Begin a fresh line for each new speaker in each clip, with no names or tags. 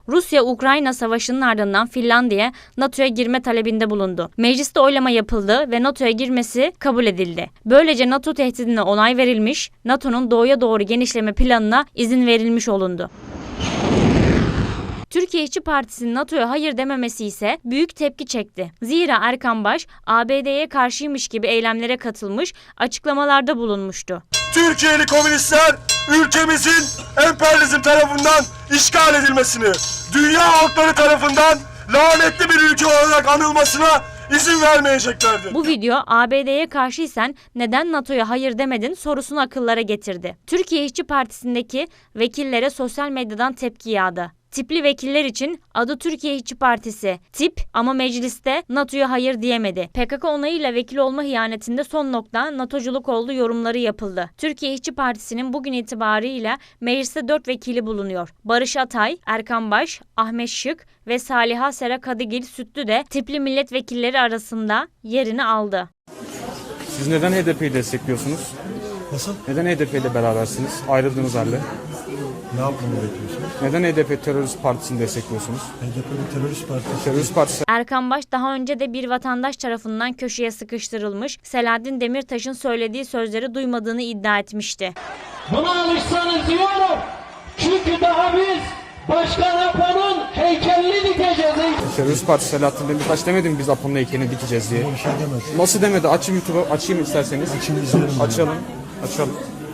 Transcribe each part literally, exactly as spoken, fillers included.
Rusya-Ukrayna savaşının ardından Finlandiya NATO'ya girme talebinde bulundu. Mecliste oylama yapıldı ve NATO'ya girmesi kabul edildi. Böylece NATO tehdidine onay verilmiş, NATO'nun doğuya doğru genişleme planına izin verilmiş olundu. Türkiye İşçi Partisi'nin NATO'ya hayır dememesi ise büyük tepki çekti. Zira Erkan Baş, A B D'ye karşıymış gibi eylemlere katılmış, açıklamalarda bulunmuştu.
Türkiye'li komünistler ülkemizin emperyalizm tarafından işgal edilmesini, dünya halkları tarafından lanetli bir ülke olarak anılmasına izin vermeyeceklerdir.
Bu video A B D'ye karşıysan neden NATO'ya hayır demedin sorusunu akıllara getirdi. Türkiye İşçi Partisi'ndeki vekillere sosyal medyadan tepki yağdı. Tipli vekiller için adı Türkiye İşçi Partisi, tip ama mecliste NATO'ya hayır diyemedi. P K K onayıyla vekil olma hiyanetinde son nokta NATO'culuk olduğu yorumları yapıldı. Türkiye İşçi Partisi'nin bugün itibarıyla mecliste dört vekili bulunuyor. Barış Atay, Erkan Baş, Ahmet Şık ve Saliha Sera Kadıgil Sütlü de tipli milletvekilleri arasında yerini aldı.
Siz neden H D P'yi destekliyorsunuz?
Nasıl?
Neden H D P ile berabersiniz? Ayrıldığınız halde.
Ne yapmamı bekliyorsunuz?
Neden H D P terörist partisini destekliyorsunuz?
H D P bir terörist partisi.
Terörist partisi.
Erkan Baş daha önce de bir vatandaş tarafından köşeye sıkıştırılmış, Selahattin Demirtaş'ın söylediği sözleri duymadığını iddia etmişti.
Buna alışsanız diyorum. Çünkü daha biz Başkan Apo'nun heykelini dikeceğiz.
Terörist partisi Selahattin Demirtaş demedi mi biz Apo'nun heykelini dikeceğiz diye?
Bir şey demez.
Nasıl demedi? Açın YouTube'u, açayım isterseniz.
Açın izleyelim.
Açalım. Açalım.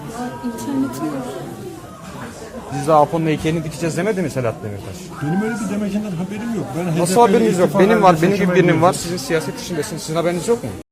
Biz de Apo'nun heykelini dikeceğiz demedi mi Selahattin Demirtaş?
Benim öyle bir demecinden haberim yok. Ben
Nasıl
H D P'yle
haberiniz yok?
ittifak
Benim var,
halinde
benim gibi
seçime
birinin var.
girdim.
Sizin siyaset işindesiniz. Sizin haberiniz yok mu?